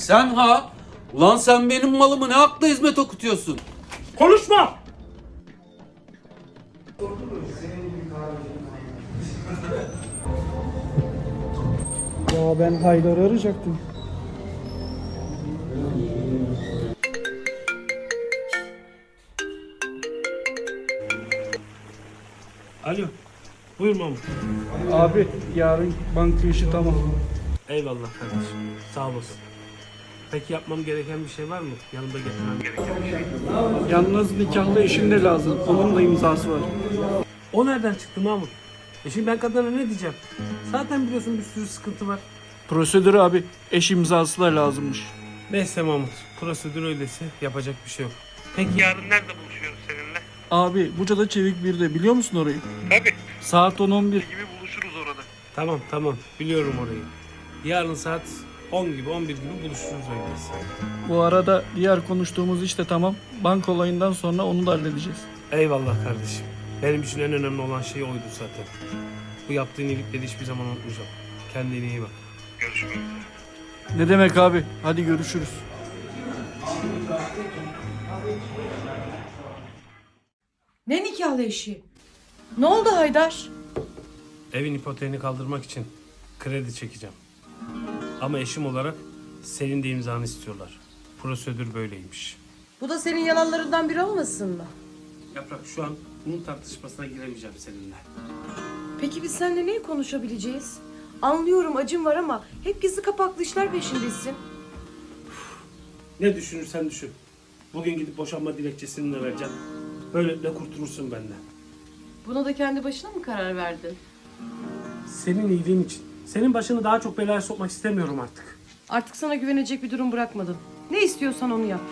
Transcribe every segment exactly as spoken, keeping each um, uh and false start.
Sen ha? Ulan sen benim malımı ne hakla hizmet okutuyorsun? Konuşma! Ya ben Haydar'ı arayacaktım. Alo. Buyur Mahmut. Abi yarın banka işi tamam. Eyvallah kardeşim. Sağ olasın. Peki yapmam gereken bir şey var mı? Yanımda getirmem gereken bir şey. Yalnız nikahlı eşin de lazım. Onun da imzası var. O nereden çıktı Mahmut? E şimdi ben kadına ne diyeceğim? Zaten biliyorsun bir sürü sıkıntı var. Prosedür abi. Eş imzası da lazımmış. Neyse Mahmut. Prosedür öyleyse yapacak bir şey yok. Peki yarın nerede buluşuyoruz seninle? Abi Buca'da Çevik birde biliyor musun orayı? Tabii. Saat on on bir. Tamam tamam. Biliyorum orayı. Yarın saat on gibi on bir gibi buluşuruz öyleyse. Bu arada diğer konuştuğumuz iş de tamam. Banka olayından sonra onu da halledeceğiz. Eyvallah kardeşim. Benim için en önemli olan şey oydu zaten. Bu yaptığın iyilikleri hiçbir zaman unutmayacağım. Kendine iyi bak. Görüşmek üzere. Ne demek abi? Hadi görüşürüz. Ne nikahlı eşi? Ne oldu Haydar? Evin ipoteğini kaldırmak için kredi çekeceğim. Ama eşim olarak senin de imzanı istiyorlar. Prosedür böyleymiş. Bu da senin yalanlarından biri olmasın mı? Yaprak, şu an bunun tartışmasına giremeyeceğim seninle. Peki biz seninle neyi konuşabileceğiz? Anlıyorum acım var ama hep gizli kapaklı işler peşindesin. Ne düşünürsen düşün. Bugün gidip boşanma dilekçesini de vereceğim. Böylelikle kurtulursun benden. Buna da kendi başına mı karar verdin? Senin iyiliğin için. Senin başını daha çok belaya sokmak istemiyorum artık. Artık sana güvenecek bir durum bırakmadım. Ne istiyorsan onu yap.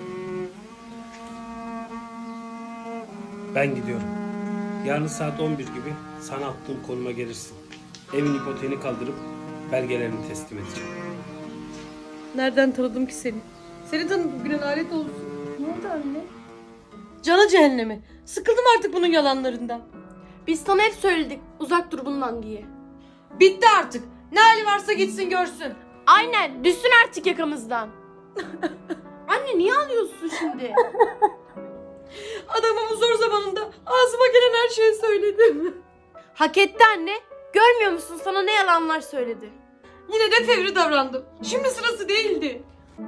Ben gidiyorum. Yarın saat on bir gibi sana attığım konuma gelirsin. Evin ipoteğini kaldırıp belgelerini teslim edeceğim. Nereden tanıdım ki seni? Seni tanıdım bugüne lanet olsun. Ne oldu anne? Cana cehennemi. Sıkıldım artık bunun yalanlarından. Biz sana hep söyledik uzak dur bundan diye. Bitti artık. Ne hali varsa gitsin görsün. Aynen düşsün artık yakamızdan. Anne niye ağlıyorsun şimdi? Adamın bu zor zamanında ağzıma gelen her şeyi söyledim. Hak etti anne. Görmüyor musun sana ne yalanlar söyledi. Yine de fevri davrandım. Şimdi sırası değildi.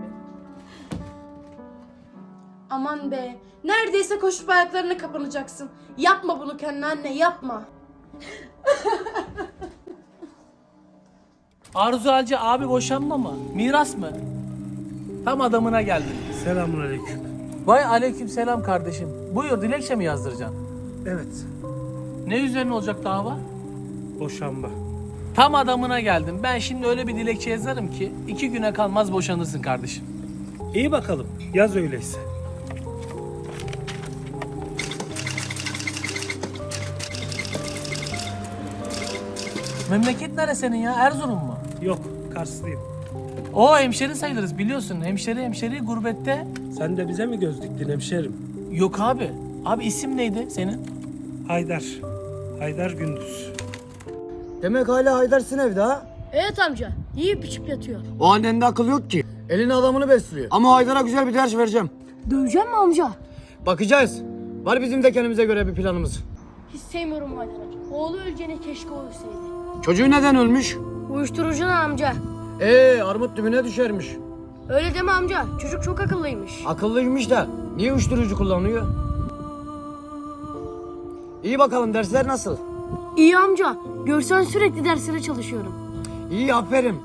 Aman be. Neredeyse koşup ayaklarına kapanacaksın. Yapma bunu kendine anne yapma. Arzu Alcı abi boşanma mı? Miras mı? Tam adamına geldin. Selamünaleyküm. Vay aleykümselam kardeşim. Buyur dilekçe mi yazdıracaksın? Evet. Ne üzerine olacak dava? Boşanma. Tam adamına geldim. Ben şimdi öyle bir dilekçe yazarım ki iki güne kalmaz boşanırsın kardeşim. İyi bakalım. Yaz öyleyse. Memleket nere senin ya? Erzurum mu? Yok, Karslıyım. O hemşeri sayılırız biliyorsun. Hemşeri hemşeri gurbette. Sen de bize mi göz diktin hemşerim? Yok abi. Abi isim neydi senin? Haydar. Haydar Gündüz. Demek hala Haydar'sın evde ha? Evet amca. Yiyip içip yatıyor. O annende akıl yok ki. Elini adamını besliyor. Ama Haydar'a güzel bir ders vereceğim. Döveceğim mi amca? Bakacağız. Var bizim de kendimize göre bir planımız. Hiç sevmiyorum Haydar'ı. Oğlu öleceğine keşke o ölseydi. Çocuğu neden ölmüş? Uyuşturucuna amca. Ee, armut dibine düşermiş. Öyle deme amca. Çocuk çok akıllıymış. Akıllıymış da niye uyuşturucu kullanıyor? İyi bakalım, dersler nasıl? İyi amca. Görsen sürekli derslere çalışıyorum. İyi, aferin.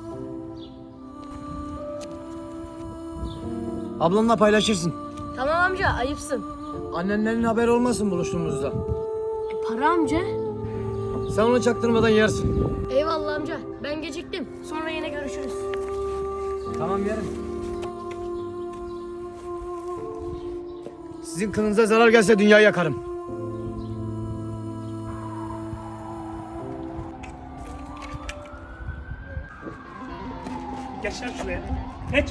Ablanla paylaşırsın. Tamam amca ayıpsın. Annenlerin haberi olmasın buluştuğumuzda. E, para amca. Sen onu çaktırmadan yersin. Eyvallah amca. Ben geciktim. Sonra yine görüşürüz. Tamam, yerim. Sizin kılınıza zarar gelse dünyayı yakarım. Geç lan şuraya. Geç.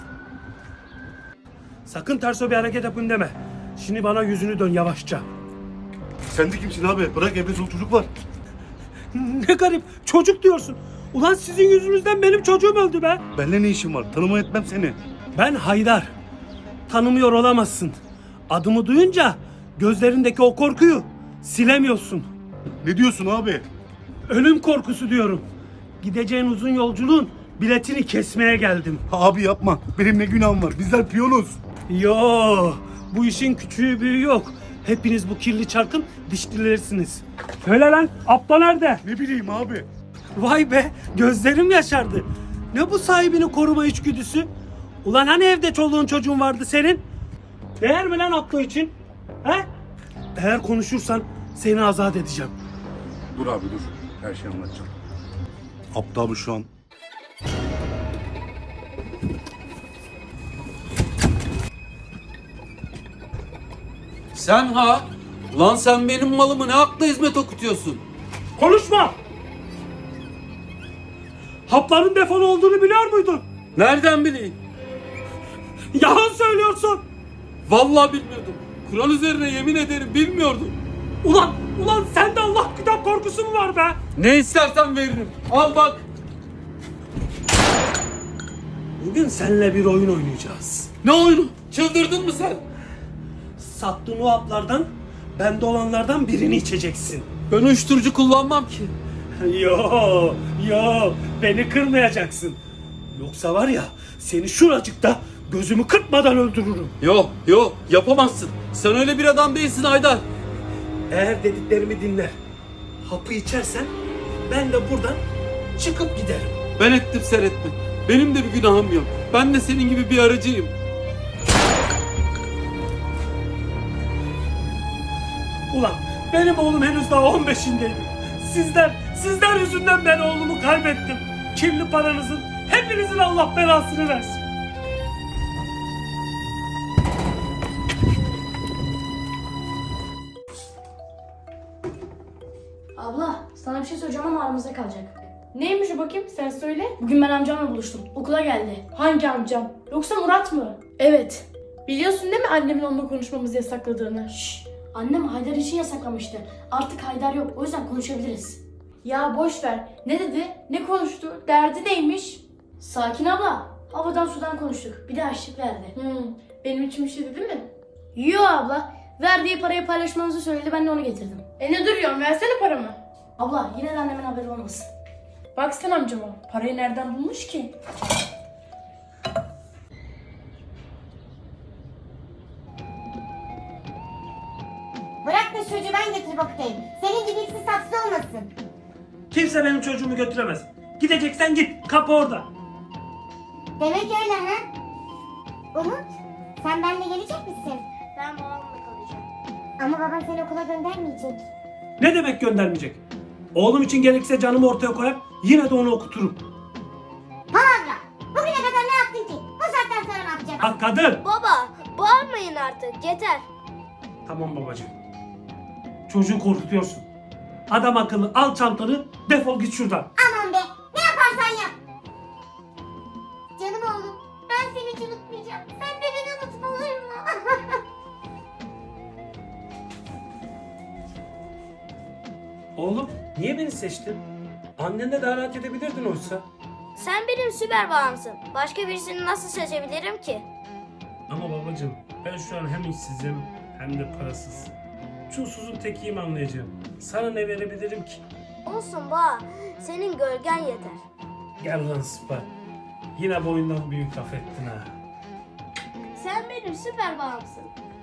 Sakın terso bir hareket yapın deme. Şimdi bana yüzünü dön yavaşça. Sen de kimsin abi? Bırak evde çoluk çocuk var. Ne garip. Çocuk diyorsun. Ulan sizin yüzünüzden benim çocuğum öldü be. Benimle ne işin var? Tanıma etmem seni. Ben Haydar. Tanımıyor olamazsın. Adımı duyunca gözlerindeki o korkuyu silemiyorsun. Ne diyorsun abi? Ölüm korkusu diyorum. Gideceğin uzun yolculuğun biletini kesmeye geldim. Abi yapma. Benim ne günahım var? Bizler piyonuz. Yo, bu işin küçüğü büyüğü yok. Hepiniz bu kirli çarkın dişlilerisiniz. Söyle lan, Abla nerede? Ne bileyim abi. Vay be, gözlerim yaşardı. Ne bu sahibini koruma içgüdüsü? Ulan hani evde çoluğun çocuğun vardı senin? Değer mi lan Abla için? He? Eğer konuşursan seni azat edeceğim. Dur abi dur. Her şeyi anlatacağım. Abdü abi şu an Sen ha? Ulan sen benim malımı ne hakla hizmet okutuyorsun? Konuşma! Hapların defolu olduğunu biliyor muydun? Nereden bileyim? Yalan söylüyorsun! Vallahi bilmiyordum. Kur'an üzerine yemin ederim bilmiyordum. Ulan, ulan sende Allah kitap korkusu mu var be? Ne istersen veririm. Al bak. Bugün seninle bir oyun oynayacağız. Ne oyunu? Çıldırdın mı sen? Sattığın o haplardan, bende olanlardan birini içeceksin. Ben uyuşturucu kullanmam ki. Yo, yo, beni kırmayacaksın. Yoksa var ya, seni şuracıkta gözümü kırpmadan öldürürüm. Yok yok yapamazsın. Sen öyle bir adam değilsin Haydar. Eğer dediklerimi dinler, hapı içersen ben de buradan çıkıp giderim. Ben ettim sen etme. Benim de bir günahım yok. Ben de senin gibi bir aracıyım. Ulan benim oğlum henüz daha on beşindeydi. Sizler, sizler yüzünden ben oğlumu kaybettim. Kirli paranızın, hepinizin Allah belasını versin. Abla sana bir şey söyleyeceğim ama aramızda kalacak. Neymiş o bakayım sen söyle. Bugün ben amcamla buluştum. Okula geldi. Hangi amcam? Yoksa Murat mı? Evet. Biliyorsun değil mi annemin onunla konuşmamızı yasakladığını? Şşş. Annem Haydar için yasaklamıştı. Artık Haydar yok. O yüzden konuşabiliriz. Ya boş ver. Ne dedi? Ne konuştu? Derdi neymiş? Sakin abla. Havadan sudan konuştuk. Bir de harçlık verdi. Hmm, benim için bir şey dedi mi? Yo abla. Verdiği parayı paylaşmanızı söyledi. Ben de onu getirdim. E ne duruyorsun? Versene paramı. Abla yine de annemin haberi olmasın. Bak sen amcama. Parayı nereden bulmuş ki? Bırak da çocuğu ben getirip okutayım. Senin gibi ikisi saksı olmasın. Kimse benim çocuğumu götüremez. Gideceksen git. Kapı orada. Demek öyle ha? Umut, sen benimle gelecek misin? Ben babamla kalacağım. Ama baban seni okula göndermeyecek. Ne demek göndermeyecek? Oğlum için gerekirse canımı ortaya koyar. Yine de onu okuturum. Palavra, bugüne kadar ne yaptın ki? Bu saatten sonra ne yapacaksın? Ha kadın. Baba bağırmayın artık. Yeter. Tamam babacığım. Çocuğu korkutuyorsun. Adam akıllı al çantanı defol git şuradan. Aman be, ne yaparsan yap. Canım oğlum, ben seni hiç unutmayacağım. Sen de beni unutma olur mu? Oğlum niye beni seçtin? Annenle daha rahat edebilirdin oysa. Sen benim süper babamsın. Başka birisini nasıl seçebilirim ki? Ama babacığım ben şu an hem işsizim hem de parasız. Çulsuzun tekiyim anlayacağım. Sana ne verebilirim ki? Olsun baba. Senin gölgen yeter. Gel lan Sıpa. Yine boyundan büyük laf ettin ha. Sen benim süper babamsın.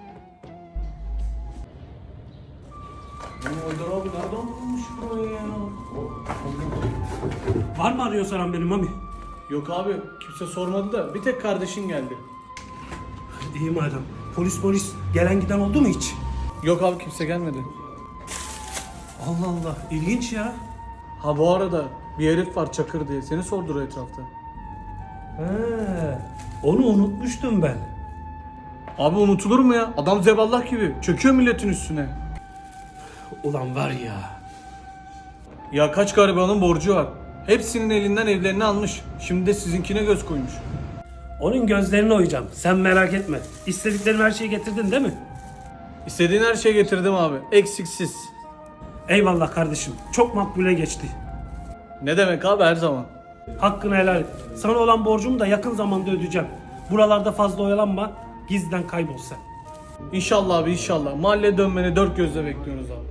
Haydar abi nereden bulmuş burayı ya? Var mı arıyor soran benim mami? Yok abi kimse sormadı da bir tek kardeşin geldi. İyi madem. Polis polis gelen giden oldu mu hiç? Yok abi kimse gelmedi. Allah Allah ilginç ya. Ha bu arada bir herif var Çakır diye seni sordur etrafta. He, onu unutmuştum ben. Abi unutulur mu ya? Adam zeballah gibi çöküyor milletin üstüne. Ulan var ya. Ya kaç garibanın borcu var. Hepsinin elinden evlerini almış. Şimdi de sizinkine göz koymuş. Onun gözlerini oyacağım. Sen merak etme. İstediklerim her şeyi getirdin değil mi? İstediğin her şeyi getirdim abi. Eksiksiz. Eyvallah kardeşim. Çok makbule geçti. Ne demek abi, her zaman. Hakkını helal et. Sana olan borcumu da yakın zamanda ödeyeceğim. Buralarda fazla oyalanma. Gizliden kaybol sen. İnşallah abi, inşallah. Mahalleye dönmeni dört gözle bekliyoruz abi.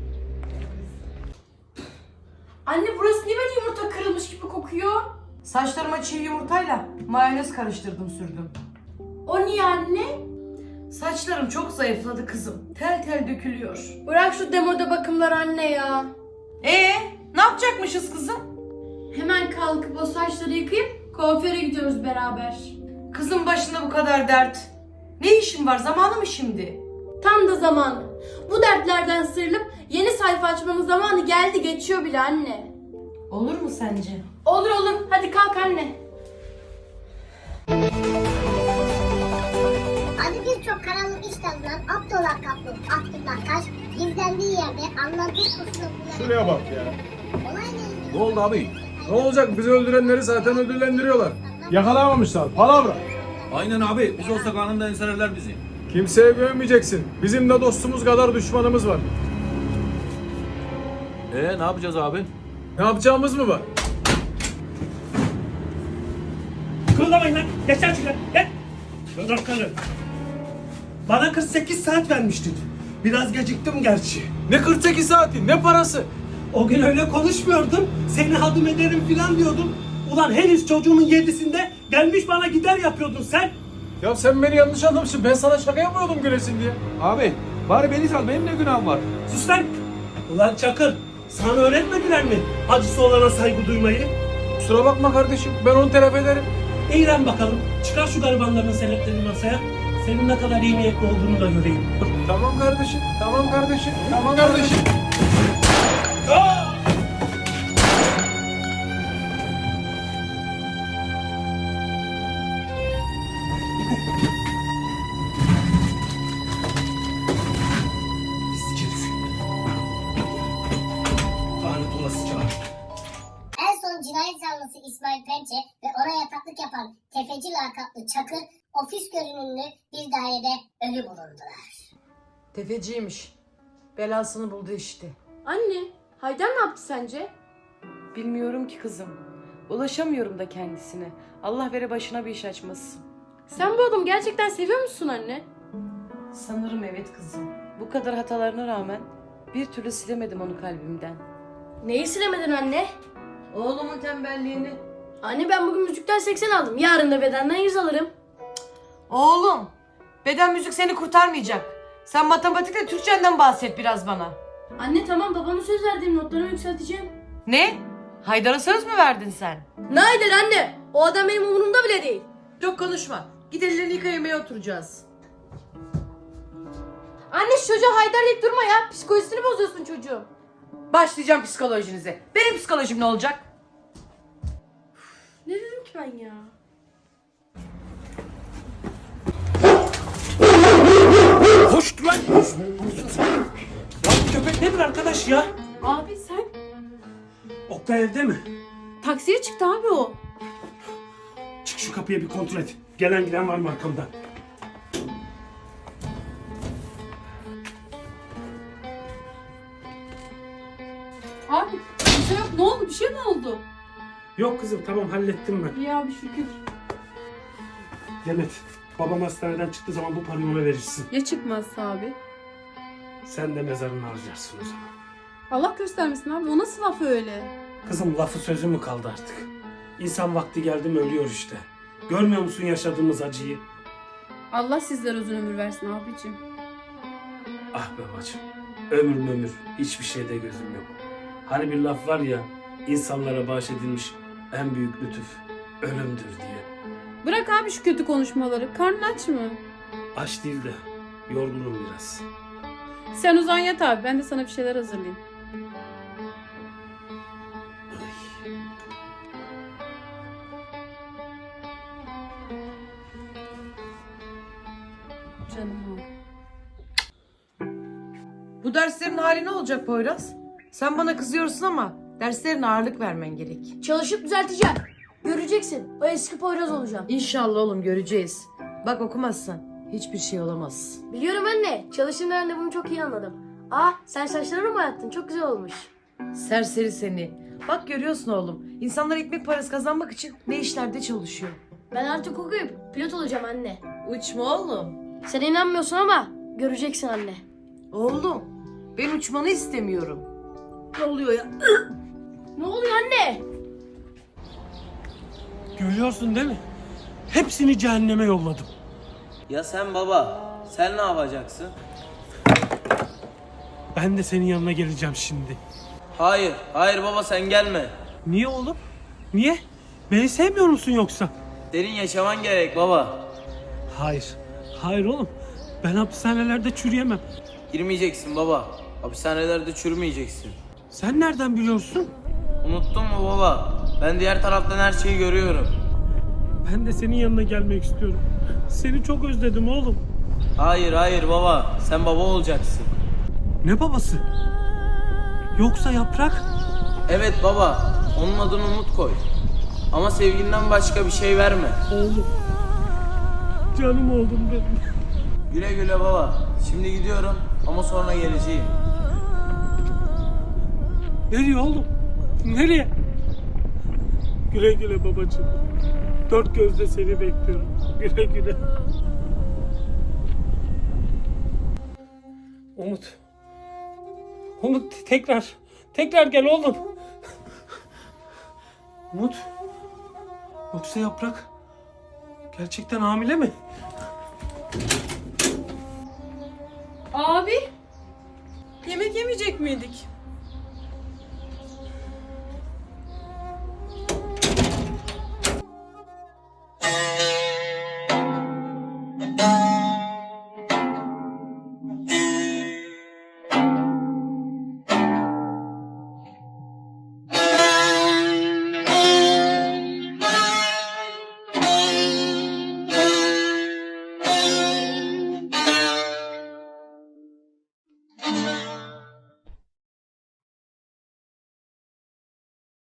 Anne burası niye böyle yumurta kırılmış gibi kokuyor? Saçlarıma çiğ yumurtayla mayonez karıştırdım sürdüm. O niye anne? Saçlarım çok zayıfladı kızım. Tel tel dökülüyor. Bırak şu demode bakımlar anne ya. Ee, ne yapacakmışız kızım? Hemen kalkıp o saçları yıkayıp kuaföre gidiyoruz beraber. Kızın başında bu kadar dert. Ne işin var, zamanı mı şimdi? Tam da zamanı. Bu dertlerden sıyrılıp yeni sayfa açmanın zamanı geldi, geçiyor bile anne. Olur mu sence? Olur olur, hadi kalk anne. Adı birçok karanlık iş dalından Abdullah Kaplı, Abdullah Taş, gizlendiği yerde anlattığı kurtulduğu... Şuraya bak ya. Olayla ilgili... Ne oldu abi? Ne olacak? Bizi öldürenleri zaten ödüllendiriyorlar. Yakalayamamışlar. Palavra. Aynen abi. Biz olsak anında enselerler bizi. Kimseye güvenmeyeceksin. Bizim de dostumuz kadar düşmanımız var. Ee ne yapacağız abi? Ne yapacağımız mı var? Kırılamayın lan. Geçer şuraya. Gel. Dur karı. Bana kırk sekiz saat vermiştin. Biraz geciktim gerçi. Ne kırk sekiz saati, ne parası? O gün öyle konuşmuyordum. Seni hadım ederim filan diyordum. Ulan henüz çocuğumun yedisinde gelmiş bana gider yapıyordun sen. Ya sen beni yanlış anlamışsın. Ben sana şaka yapıyordum gülesin diye. Abi bari beni sal. Benim ne günahım var? Sus lan. Ulan Çakır. Sana öğretmediler mi acısı olana saygı duymayı? Kusura bakma kardeşim. Ben onu telafi ederim. İyi lan bakalım. Çıkar şu garibanların senetlerini masaya. Senin ne kadar iyi niyetli olduğunu da göreyim. Tamam kardeşim. Tamam kardeşim. Tamam kardeşim. Pislik herif. Lanet olası çağır. En son cinayet zanlısı İsmail Pençe ve ona yataklık yapan tefeci lakaplı Çakır, ofis görünümlü bir dairede ölü bulundular. Tefeciymiş. Belasını buldu işte. Anne, Haydar ne yaptı sence? Bilmiyorum ki kızım. Ulaşamıyorum da kendisine. Allah vere başına bir iş açmasın. Sen bu adamı gerçekten seviyor musun anne? Sanırım evet kızım. Bu kadar hatalarına rağmen bir türlü silemedim onu kalbimden. Neyi silemedin anne? Oğlumun tembelliğini. Anne ben bugün müzikten seksen aldım. Yarın da bedenden yüz alırım. Oğlum, beden müzik seni kurtarmayacak. Sen matematikle Türkçenden bahset biraz bana. Anne tamam, babama söz verdiğim notlarımı yükselteceğim. Ne? Haydar'a söz mü verdin sen? Ne Haydar anne? O adam benim umurumda bile değil. Çok konuşma. Git ellerini yıka, yemeğe oturacağız. Anne şu çocuğa Haydar deyip durma ya. Psikolojisini bozuyorsun çocuğun. Başlayacağım psikolojinize. Benim psikolojim ne olacak? Ne dedim ki ben ya? Hoş lan. Lan köpek nedir arkadaş ya? Abi sen Oktay evde mi? taksiye çıktı abi o. Çık şu kapıya bir kontrol et. Gelen giden var mı arkamda? Abi bir şey yok, ne oldu, bir şey mi oldu? Yok kızım, tamam hallettim ben. İyi abi şükür. Demet, babam hastaneden çıktığı zaman bu parayı ona verirsin. Ya çıkmazsa abi? Sen de mezarını harcarsın o zaman. Allah göstermesin abi, o nasıl laf öyle? Kızım lafı sözü mü kaldı artık? İnsan vakti geldi mi ölüyor işte. Görmüyor musun yaşadığımız acıyı? Allah sizlere uzun ömür versin abicim. Ah be bacım, ömür ömür hiçbir şeyde gözüm yok. Hani bir laf var ya, insanlara bahşedilmiş en büyük lütuf ölümdür diye. Bırak abi şu kötü konuşmaları, karnın aç mı? Aç değil de yorgunum biraz. Sen uzan yat abi, ben de sana bir şeyler hazırlayayım. Canım abi. Bu derslerin hali ne olacak Poyraz? Sen bana kızıyorsun ama derslerine ağırlık vermen gerek. Çalışıp düzelteceğim. Göreceksin. O eski Poyraz olacağım. İnşallah oğlum, göreceğiz. Bak okumazsan hiçbir şey olamaz. Biliyorum anne. Çalıştığım dönemde bunu çok iyi anladım. Aa sen saçlarını mı boyattın? Çok güzel olmuş. Serseri seni. Bak görüyorsun oğlum. İnsanlar ekmek parası kazanmak için ne işlerde çalışıyor. Ben artık okuyup pilot olacağım anne. Uçma oğlum. Sen inanmıyorsun ama göreceksin anne. Oğlum ben uçmanı istemiyorum. Ne oluyor ya? Ne oluyor anne? Görüyorsun değil mi? Hepsini cehenneme yolladım. Ya sen baba, sen ne yapacaksın? Ben de senin yanına geleceğim şimdi. Hayır, hayır baba sen gelme. Niye oğlum? Niye? Beni sevmiyor musun yoksa? Senin yaşaman gerek baba. Hayır. Hayır oğlum. Ben hapishanelerde çürüyemem. Girmeyeceksin baba. Hapishanelerde çürümeyeceksin. Sen nereden biliyorsun? Unuttun mu baba? Ben diğer taraftan her şeyi görüyorum. Ben de senin yanına gelmek istiyorum. Seni çok özledim oğlum. Hayır, hayır baba. Sen baba olacaksın. Ne babası? Yoksa Yaprak? Evet baba. Onun adını Umut koy. Ama sevginden başka bir şey verme. Oğlum. Canım oğlum benim. Güle güle baba. Şimdi gidiyorum ama sonra geleceğim. Nereye oğlum? Nereye? Güle güle babacığım. Dört gözle seni bekliyorum. Güle güle. Umut. Umut tekrar. Tekrar gel oğlum. Umut. Yoksa Yaprak gerçekten hamile mi? Abi. Yemek yemeyecek miydik?